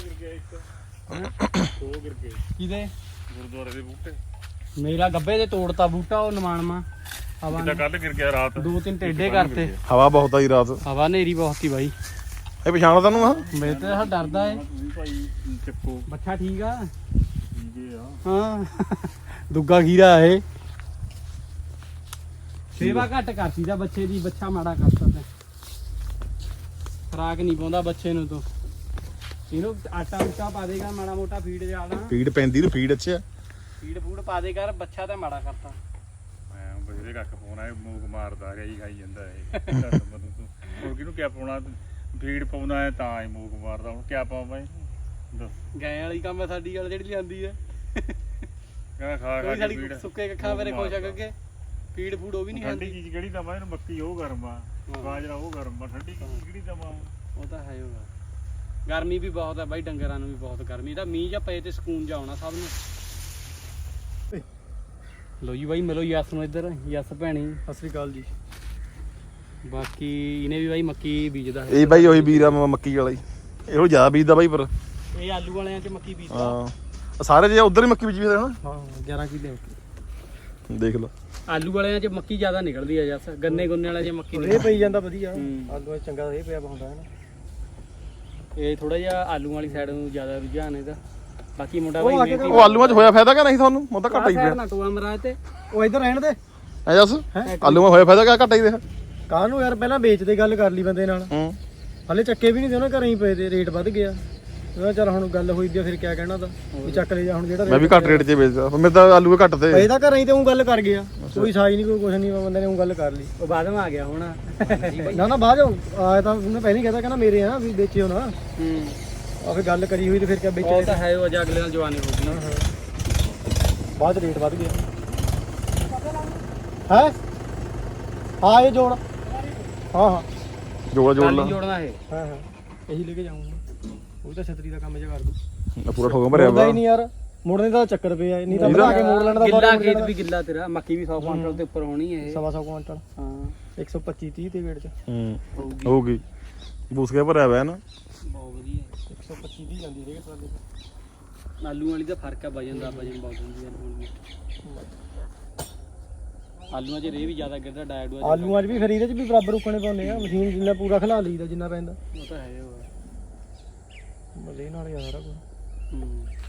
[SPEAKER 1] ਕਿਹਦੇ?
[SPEAKER 2] ਗੁਰਦੁਆਰੇ ਦੇ ਬੂਟੇ
[SPEAKER 1] ਮੇਰਾ ਗੱਬੇ ਦੇ ਤੋੜਤਾ ਬੂਟਾ ਉਹ ਨਮਾਨਮਾ ਹਵਾ
[SPEAKER 2] ਕਿੱਦਾਂ ਕੱਲ ਗਿਰ ਗਿਆ ਰਾਤ।
[SPEAKER 1] 2-3 ਟੇਡੇ ਕਰਤੇ।
[SPEAKER 3] ਹਵਾ ਬਹੁਤ ਆਈ ਰਾਤ।
[SPEAKER 1] ਹਵਾ ਨੇਰੀ ਬਹੁਤ ਹੀ ਬਾਈ।
[SPEAKER 3] ਇਹ ਪਛਾਣਦਾ ਤੈਨੂੰ ਆ?
[SPEAKER 1] ਮੇਰੇ ਤੇ ਤਾਂ ਡਰਦਾ ਏ।
[SPEAKER 2] ਤੁਸੀਂ ਭਾਈ ਚੱਕੋ
[SPEAKER 1] ਬੱਚਾ ਠੀਕ ਆ?
[SPEAKER 2] ਠੀਕੇ ਆ।
[SPEAKER 1] ਹਾਂ ਦੁੱਗਾ ਖੀਰਾ ਇਹ। ਸੇਵਾ ਘੱਟ ਕਰਤੀ ਦਾ ਬੱਚੇ ਦੀ, ਬੱਚਾ ਮਾੜਾ ਕਰਤਾ ਤੇ। ਖਰਾਕ ਨਹੀਂ ਪਾਉਂਦਾ ਬੱਚੇ ਨੂੰ ਤੂੰ। ਇਹਨੂੰ ਆਟਾ ਉਟਾ ਪਾ ਦੇਗਾ ਮਾੜਾ ਮੋਟਾ ਫੀਡ ਜਾਣਾ।
[SPEAKER 3] ਫੀਡ ਪੈਂਦੀ ਨੂੰ ਫੀਡ ਅੱਛਾ।
[SPEAKER 1] ਫੀਡ ਫੂਡ ਪਾ ਦੇ ਕਰ, ਬੱਚਾ ਤਾਂ ਮਾੜਾ ਕਰਤਾ।
[SPEAKER 2] ਮੈਂ ਬਜਰੇ ਕੱਖ ਪਾਉਣਾ ਇਹ ਮੂਕ ਮਾਰਦਾ ਰਿਹਾ ਹੀ ਖਾਈ ਜਾਂਦਾ ਇਹ। ਹੋਰ ਕਿਹਨੂੰ ਕਿਆ ਪਾਉਣਾ? ਫੀਡ ਪਾਉਣਾ ਹੈ ਤਾਂ ਹੀ ਮੂਕ ਮਾਰਦਾ। ਹੁਣ ਕਿਆ ਪਾਵਾਂ ਮੈਂ ਦੱਸ।
[SPEAKER 1] ਗਾਂ ਵਾਲੀ ਕੰਮ ਹੈ ਸਾਡੀ ਗੱਲ ਜਿਹੜੀ ਲਿਆਂਦੀ ਹੈ।
[SPEAKER 2] ਕਹਿੰਦਾ ਖਾ
[SPEAKER 1] ਕੋਈ
[SPEAKER 2] ਕੇ
[SPEAKER 1] ਸਾਡੀ
[SPEAKER 2] ਫੀਡ
[SPEAKER 1] ਸੁੱਕੇ ਕੱਖਾਂ ਮੇਰੇ ਖੁਸ਼ ਆ ਕਰਕੇ ਫੀਡ ਫੂਡ ਉਹ ਵੀ ਨਹੀਂ
[SPEAKER 2] ਠੰਡੀ
[SPEAKER 1] ਖਾਂਦੀ।
[SPEAKER 2] ਚੀਜ਼ ਕਿਹੜੀ ਦਵਾਂ ਇਹਨੂੰ? ਮੱਕੀ ਉਹ ਗਰਮ ਆ, ਬਾਜਰਾ ਉਹ ਗਰਮ ਆ। ਠੰਡੀ ਚੀਜ਼ ਕਿਹੜੀ ਦਵਾਂ?
[SPEAKER 1] ਉਹ ਤਾਂ ਹੈ ਹੋਗਾ। ਗਰਮੀ ਵੀ ਬਹੁਤ ਹੈ ਬਾਈ, ਡੰਗਰਾਂ ਨੂੰ ਵੀ ਬਹੁਤ ਗਰਮੀ। ਤਾਂ ਮੀਂਹ ਜਾਂ ਪਏ ਤੇ ਸਕੂਨ ਜਾ ਆਉਣਾ ਸਭ ਨੂੰ। ਲੋ ਜੀ ਬਾਈ ਮਿਲੋ ਯਸ ਨੂੰ ਇੱਧਰ। ਯਸ ਭੈਣੀ ਸਤਿ ਸ੍ਰੀ ਅਕਾਲ ਜੀ। ਬਾਕੀ ਇਹਨੇ ਵੀ ਬਾਈ ਮੱਕੀ ਬੀਜਦਾ ਹੈ।
[SPEAKER 3] ਇਹ ਬਾਈ ਉਹੀ ਵੀਰ ਆ ਮੱਕੀ ਵਾਲਾ ਹੀ। ਇਹੋ ਜ਼ਿਆਦਾ ਬੀਜਦਾ ਬਾਈ ਪਰ।
[SPEAKER 1] ਇਹ ਆਲੂ ਵਾਲਿਆਂ 'ਚ ਮੱਕੀ ਬੀਜਦਾ।
[SPEAKER 3] ਹਾਂ ਸਾਰੇ ਜੇ ਉਧਰ ਹੀ ਮੱਕੀ ਬੀਜੀ ਹੋਣਾ।
[SPEAKER 1] ਹਾਂ 11 ਕਿੱਲੇ
[SPEAKER 3] ਦੇਖ ਲਓ
[SPEAKER 1] ਆਲੂ ਵਾਲਿਆਂ 'ਚ ਮੱਕੀ ਜ਼ਿਆਦਾ ਨਿਕਲਦੀ ਆ ਯਸ। ਗੰਨੇ ਗੁੰਨੇ ਵਾਲਿਆਂ 'ਚ ਮੱਕੀ
[SPEAKER 4] ਇਹ ਪਈ ਜਾਂਦਾ ਵਧੀਆ।
[SPEAKER 1] ਹੂੰ।
[SPEAKER 4] ਆਲੂ ਚੰਗਾ ਇਹ ਪਿਆ ਹੁੰਦਾ ਹੈ ਨਾ।
[SPEAKER 1] ਇਹ ਥੋੜਾ ਜਿਹਾ ਆਲੂ ਵਾਲੀ ਸਾਈਡ ਨੂੰ ਜ਼ਿਆਦਾ ਰੁਝਾਨ ਇਹਦਾ। ਬਾਕੀ ਮੁੰਡਾ
[SPEAKER 4] ਉਹ
[SPEAKER 1] ਬਾਈ
[SPEAKER 4] ਆ ਕੇ
[SPEAKER 1] ਮਿਹਨਤੀ
[SPEAKER 3] ਉਹ ਆਲੂਆਂ 'ਚ ਹੋਇਆ ਫਾਇਦਾ ਕਿ ਨਹੀਂ ਤੁਹਾਨੂੰ? ਮੈਂ ਤਾਂ ਘੱਟ ਹੀ
[SPEAKER 1] ਸਾਈਡ
[SPEAKER 3] ਪਿਆ
[SPEAKER 1] ਨਾ ਟੋਆ ਮਰਾਜ ਤੇ।
[SPEAKER 4] ਉਹ ਇੱਧਰ ਰਹਿਣ ਦੇ।
[SPEAKER 3] ਐ ਜੱਸ ਆਲੂਆਂ ਹੋਇਆ ਫਾਇਦਾ ਕਿ ਘੱਟ ਹੀ ਰਿਹਾ?
[SPEAKER 4] ਕਾਹਨੂੰ ਯਾਰ ਪਹਿਲਾਂ ਵੇਚਦੇ ਗੱਲ ਕਰ ਲਈ ਬੰਦੇ ਨਾਲ।
[SPEAKER 3] ਹੂੰ
[SPEAKER 4] ਹਲੇ ਚੱਕੇ ਵੀ ਨਹੀਂ ਦੇ ਉਹਨਾਂ ਘਰੇ ਹੀ ਪਏ ਤੇ ਰੇਟ ਵੱਧ ਗਿਆ। ਉਹਦਾ ਚੱਲ ਹੁਣ ਗੱਲ ਹੋਈ ਦੀ ਆ, ਫਿਰ ਕਿਆ ਕਹਿਣਾ ਦਾ ਵੀ ਚੱਕ ਲੈ ਜਾ ਹੁਣ ਜਿਹੜਾ
[SPEAKER 3] ਮੈਂ ਵੀ ਘੱਟ ਰੇਟ 'ਚ ਵੇਚਦਾ। ਮੇਰੇ ਤਾਂ ਆਲੂ ਘੱਟ ਤੇ।
[SPEAKER 4] ਪਏ ਤਾਂ ਘਰੇ ਹੀ ਤੇ ਉਹ ਗੱਲ ਕਰ ਗਿਆ। ਕੋਈ ਸਾਈ ਨਹੀਂ ਕੋਈ ਕੁਛ ਨਹੀਂ, ਬੰਦੇ ਨੇ ਉਹ ਗੱਲ ਕਰ ਲਈ।
[SPEAKER 1] ਉਹ ਬਾਅਦ ਵਿੱਚ ਆ ਗਿਆ ਹੁਣ।
[SPEAKER 4] ਨਾ ਨਾ ਬਾਅਦ ਆਇਆ ਤਾਂ ਉਹਨੇ ਪਹਿਲਾਂ ਹੀ ਕਹਿਤਾ ਕਹਿੰਦਾ ਮੇਰੇ ਆ ਵੀ ਵੇਚਿਓ ਨਾ।
[SPEAKER 1] ਹੂੰ
[SPEAKER 4] ਆ ਫਿਰ ਗੱਲ ਕਰੀ ਹੋਈ ਤੇ ਫਿਰ ਕਿਆ
[SPEAKER 1] ਉਹ
[SPEAKER 4] ਵੇਚੇ।
[SPEAKER 1] ਤਾਂ ਹੈ ਉਹ ਅੱਜ ਅਗਲੇ ਨਾਲ ਜਵਾਨੀ ਹੋ ਗਈ।
[SPEAKER 4] ਬਾਅਦ ਰੇਟ ਵੱਧ ਗਿਆ ਹੈ। ਹਾਂ ਇਹ ਜੋੜ। ਹਾਂ ਹਾਂ
[SPEAKER 3] ਜੋੜ ਜੋੜ ਲਾ।
[SPEAKER 1] ਜੋੜਨਾ ਇਹ।
[SPEAKER 4] ਹਾਂ ਹਾਂ ਇਹੀ ਲੈ ਕੇ ਜਾਊਂਗਾ। ਉਹ ਤਾਂ ਛਤਰੀ ਦਾ ਕੰਮ ਜਿਹਾ ਕਰ ਦੂ।
[SPEAKER 3] ਪੂਰਾ ਠੋਕਾ ਭਰਿਆ
[SPEAKER 4] ਮੁੜਦਾ
[SPEAKER 3] ਵਾ।
[SPEAKER 4] ਹੀ ਨਹੀਂ ਯਾਰ। ਮੁੜਨੇ ਦਾ ਚੱਕਰ ਪਿਆ ਨਹੀਂ ਤਾਂ ਬਣਾ ਕੇ ਮੋੜ ਲੈਣ ਦਾ।
[SPEAKER 1] ਗਿੱਲਾ ਖੇਤ ਵੀ ਗਿੱਲਾ ਤੇਰਾ। ਮੱਕੀ ਵੀ 100 ਕੁਇੰਟਲ ਦੇ ਉੱਪਰ ਹੋਣੀ ਹੈ ਇਹ।
[SPEAKER 4] 125 ਕੁਇੰਟਲ।
[SPEAKER 1] ਹਾਂ
[SPEAKER 4] 125 30 ਤੇ ਵੇਟ ਚ
[SPEAKER 3] ਹੂੰ ਹੋ ਗਈ। ਬੂਸ ਕੇ ਭਰਿਆ ਵਾ ਨਾ।
[SPEAKER 1] ਬਹੁਤ ਵਧੀਆ
[SPEAKER 4] 125 ਦੀ ਜਾਂਦੀ ਰੇਟ ਟਰਾਲੀ ਤੇ।
[SPEAKER 1] ਆਲੂ ਵਾਲੀ ਦਾ ਫਰਕ ਹੈ ਵਜਨ ਦਾ। ਵਜਨ ਬਹੁਤ ਹੁੰਦੀ ਹੈ ਆਲੂਆਂ 'ਚ ਰੇ ਵੀ ਜ਼ਿਆਦਾ ਗਿਰਦਾ ਡਾਇਡੂਆ।
[SPEAKER 4] ਆਲੂਆਂ 'ਚ ਵੀ ਫਿਰ ਇਹਦੇ 'ਚ ਵੀ ਬਰਾਬਰ ਰੁਕਣੇ ਪਾਉਂਦੇ ਆ। ਮਸ਼ੀਨ ਜਿੰਨਾ ਪੂਰਾ ਖਿਲਾ ਲਈਦਾ ਜਿੰਨਾ ਪੈਂਦਾ।
[SPEAKER 1] ਉਹ ਤਾਂ ਹੈ ਉਹ।
[SPEAKER 4] ਮਲੇ ਨਾਲ ਯਾਰ
[SPEAKER 1] ਹੂੰ